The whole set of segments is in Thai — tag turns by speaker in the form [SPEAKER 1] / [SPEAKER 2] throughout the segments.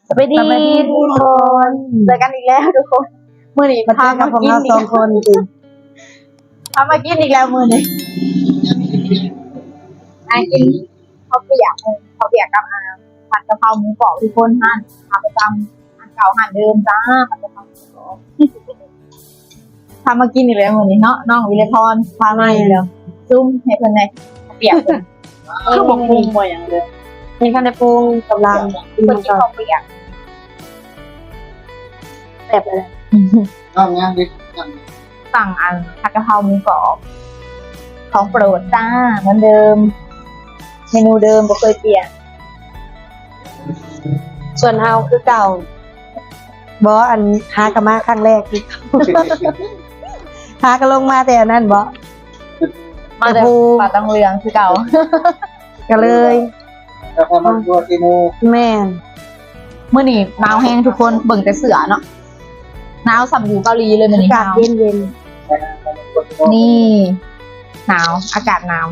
[SPEAKER 1] สวัสดีทุกคนเจอกันอีกแล้วทุกคนมื้อนี้พามากินอีก2 คนจริงพามากินอีกแล้วมื้อนี้กินข้าวเปียกกับผัดกะเพราหมูกรอบทุกคนหั่นทำประจำหั่นเก่าหั่นเดิมจ้าผัดกะเพราหมูกรอบพามากินอีกแล้วมื้อนี้เนาะน้องวิเลพรพามาอีกแล้วซุ่มให้เพิ่นได้เปียกเพิ่นคือบ่ปรุงบ่หยังเด้อมีคันได้ปรุงกำลังกินข้าวเปียกแบบอะไรสั่งผัดกะเพราหมูกรอบของโปรดจ้าเหมือนเดิมเมนูเดิมบ่เคยเปลี่ยนส่วนเฮาคือเก่าบ่อันหากะมาครั้งแรกที่หากะลงมาแต่อันนั้นบ่มาแต่ปลาตังเหลืองคือเก่าก็เลย
[SPEAKER 2] แล้วพอมันตัวซีโน
[SPEAKER 1] แม่นมื้อนี้หนาวแห้งทุกคนเบิ่งแต่เสือเนาะหนาวสัมอยู่เกาหลีเลยมื้อนี้หนาวเย็นๆนี่หนาวอากาศหนาว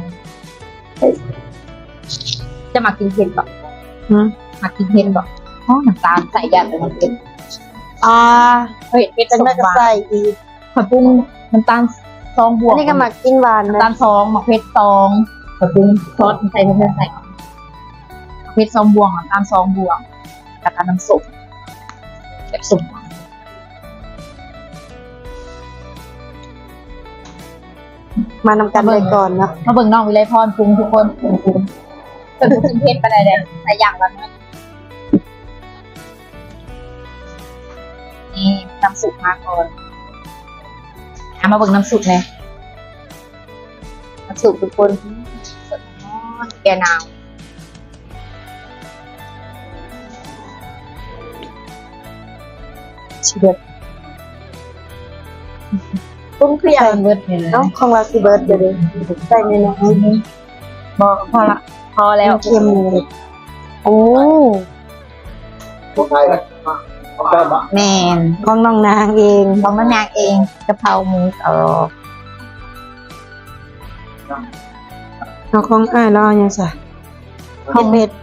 [SPEAKER 1] จะมากินเผ็ดบ่มากินเผ็ดบ่อ๋อน้ำตาลใส่ยันเลยมันเผ็ดเฮ้ยเผ็ดสมหวานใส่อีกผัดปุ้งน้ำตาล2 บวกนี่ก็มากินหวานน้ำตาล2หมักเผ็ด2ผัดปุ้งซอสใส่เพิ่มใส่เผ็ด2 บวกน้ำตาล2 บวกแล้วก็น้ำส้มแบบส้มมานำกันเลยก่อนเนาะมาเบิ่งน้องวิไลพรปรุงทุกคนปรุงเป็นผู้กินเผ็ดไปได้เลยใส่อย่างละน้อยนี่น้ำซุปมาก่อนมาเบิ่งน้ำซุปเลยน้ำซุปทุกคนสดร้อนแกหนาวชิเบิร์ดปรุงเครื่องเบิร์ดเลยเนาะของเราชิเบิร์ดเดี๋ยวใส่ในน้ำบอกพอละพอแล้วเค็มเลยโอ้
[SPEAKER 2] ของไทยนะของเจ้าบ้า
[SPEAKER 1] แมนของน้องนางเองของน้องนางเองกะเพราหมูกรอบเอาของอ้ายแล้วเอาอย่างไรข้าวเผ็ด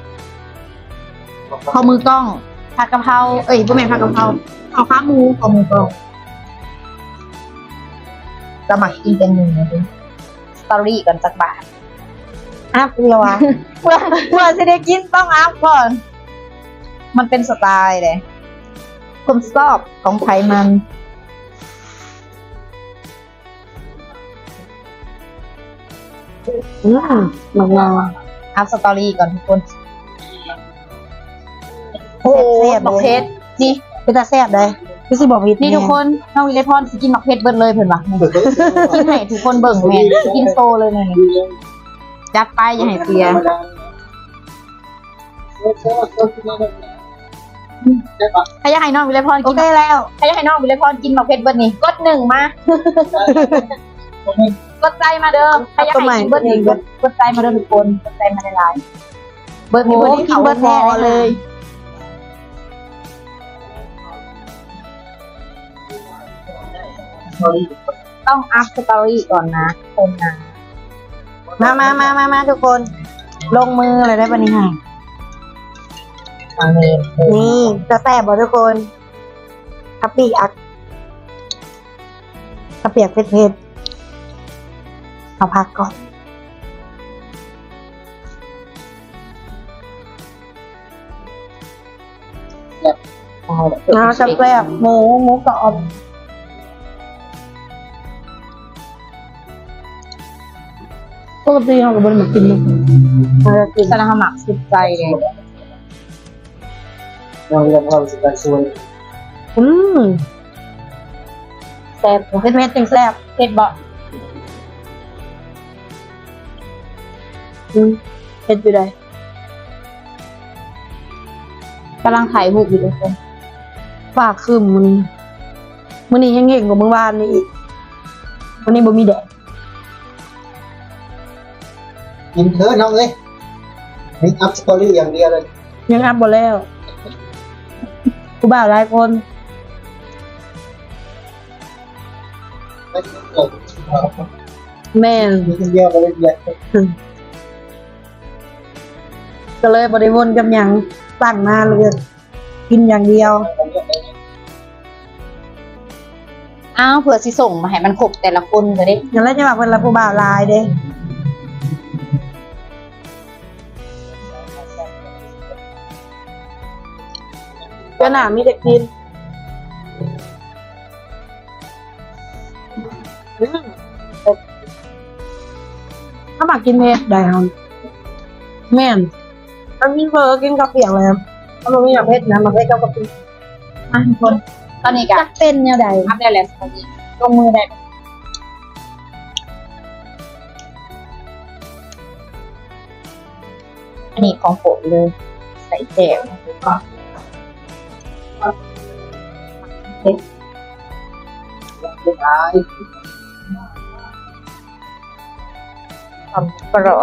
[SPEAKER 1] ข้าวมือกล้องผัดกะเพราบ่แม่นผัดกะเพราข้าวขาหมูข้าวหมูกล้องสมัครกินเป็นหนึ่งนะดิสตอรี่กันสักบาทอัพเลยวะเมื่อจะได้กินต้องอัพก่อนมันเป็นสไตล์เลยความชอบของไทยมันมันอัพสตอรี่ก่อนทุกคนโอ้บักเพชรนี่เป็นตาแซ่บเลยพี่สิบอกวิทนี่ทุกคนน้องวิเลพรสิกินบักเพชรเบิดเลยเพิ่นว่ากินให้ทุกคนเบิ่งแม่กินโซเลยนี่จัดไปอย่าให้เสียใครอยากให้น้องวิเลพรกินได้แล้วใครอยากให้น้องวิเลพรกินบักเพชรเบิดนี่กด1มากดใจมาเด้อใครอยากให้กินเบิดนี่กดใจมาเด้อทุกคนกดใจมาหลายๆเบิดนี่กินเบิดแท้เลยต้องอัพสตอรี่ก่อนนะคนนะมาทุกคนลงมือเลยได้ปะนี่ค่ะนี่จะแซ่บบ่ทุกคนกะปิอักกะเปียกเผ็ดเอาพักก่อนจะแซ่บหมูกรอบปกติเราก็บ่ได้มากินเรากินแต่เราหมักสุดใจเลย
[SPEAKER 2] เราเรียนความสุขการช่วย
[SPEAKER 1] แซ่บเผ็ดจริงแซ่บเผ็ดบ่เผ็ดอยู่ได้กำลังถ่ายรูปอยู่ทุกคนฟ้าครึ้มมื้อนี้ยังเก่งกว่าเมื่อวานนี่อีกวันนี้บ่มีแดด
[SPEAKER 2] กินเถอะน้องเลยนี่อัพสตอรี่อย่างเดียวเลย
[SPEAKER 1] ยังอัพบ่แล้วกูบ่าวหลายคนแม่น
[SPEAKER 2] กินเดียวไปเลย
[SPEAKER 1] ก็เลยบ่ได้วนกับหยังตั้งหน้าเลย
[SPEAKER 3] กินอย่างเดียว
[SPEAKER 1] อ้าวเผื่อสิส่งมาให้มันครบแต่ละคนก็ได้
[SPEAKER 3] อย่างแรกจะมาเป็นละผู้บ่าวลายเด้เจ้าหน้ามีแต่กินถ้ามากินเผ็ดได้ครับแม่นถ้ากินเฟอกินกระเปียกเลยครับถ้ามันไม่อยากเผ็ดนะมาเผ็ดกับกระเปียก
[SPEAKER 1] มาทุกคนตอนนี้ก็
[SPEAKER 3] จักเป็นเนี่ยใด
[SPEAKER 1] อัพได้แล้วสวัสดีลงมือได้อันนี้ของผมเลยใส่แจว
[SPEAKER 3] ความกรอบ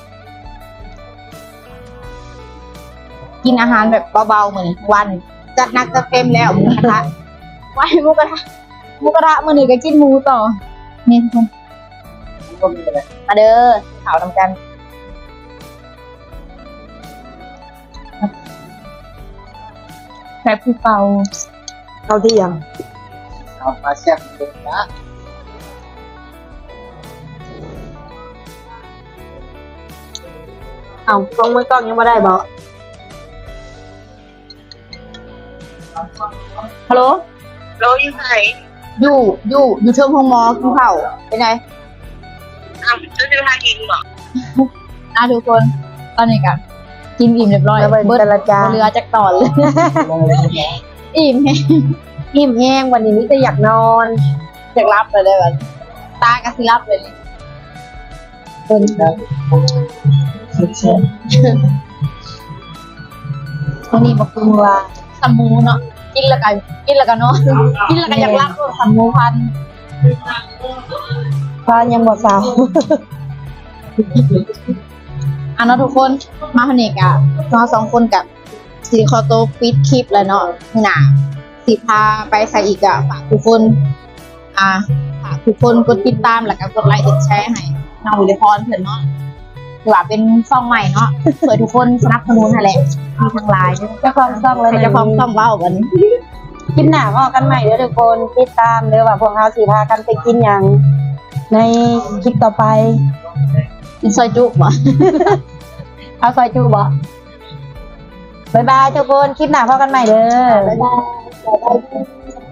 [SPEAKER 1] กินอาหารแบบเบาๆเหมือนวันจัดหนักจัดเต็มแล้วหมูกระทะไว้หมูกระทะมื้อนี้ก็กินหมูต่อนี่ทุกคนมาเด้อข่าวนำกันแบบภูเป่า
[SPEAKER 3] เข้าที่ยัง
[SPEAKER 2] เอามาแซ่บเลยนะ
[SPEAKER 3] เอากล้องมือกล้องยังไม่ได้บอก
[SPEAKER 1] ฮัลโหล
[SPEAKER 4] โลอยู่ไหน
[SPEAKER 1] อยู่เชิงพงมอกินข้าวเป็นไง
[SPEAKER 4] อ้าวจะซื้อทากินเหรอ
[SPEAKER 1] ทุกคนตอนนี้กันกินอิ่มเรียบร้อย
[SPEAKER 3] แล้วเป็น
[SPEAKER 1] เบิด
[SPEAKER 3] แต่ละจาน
[SPEAKER 1] เรือจากตอนเลย อิ่มแฮง
[SPEAKER 3] อิ่มแห้งวันนี้มิจะอยากนอน
[SPEAKER 1] จากรับเลยได้แบบตากระสิรับเลยเป็น วันนี้บอกคุณว่าสมูเนาะกินแล้วกันเนาะกินแล้วกันอยากรับสมูพัน
[SPEAKER 3] ฟ้ายังบ่สาว
[SPEAKER 1] อ่ะเนาะทุกคนมาคนนี้กะเราสองคนกับสีคอโตปิดคลิปแล้วเนาะนี่นะสีพาไปใส่อีกอะฝากทุกคนฝากทุกคนกดติดตามแล้วก็กดไลค์กดแชร์ให้น้องวิริพรเพื่อนเนาะถือว่าเป็นซ่องใหม่เนาะเผื่อทุกคนสนับสนุนนั่นแหละมีทางไลน์
[SPEAKER 3] เจ้าของซ่องเลย
[SPEAKER 1] ใครจะพร้อมซ่องเว้าวันนี้
[SPEAKER 3] กินหนาพอกันใหม่เด้อทุกคนติดตามเด้อว่าพวกเราสิพากันไปกินอย่างในคลิปต่อไป
[SPEAKER 1] กินซอยจุบ่
[SPEAKER 3] เอาซอยจูบ่บ๊ายบายทุกคนคลิปหน้าพอกันใหม่เด้อ
[SPEAKER 1] บ๊ายบาย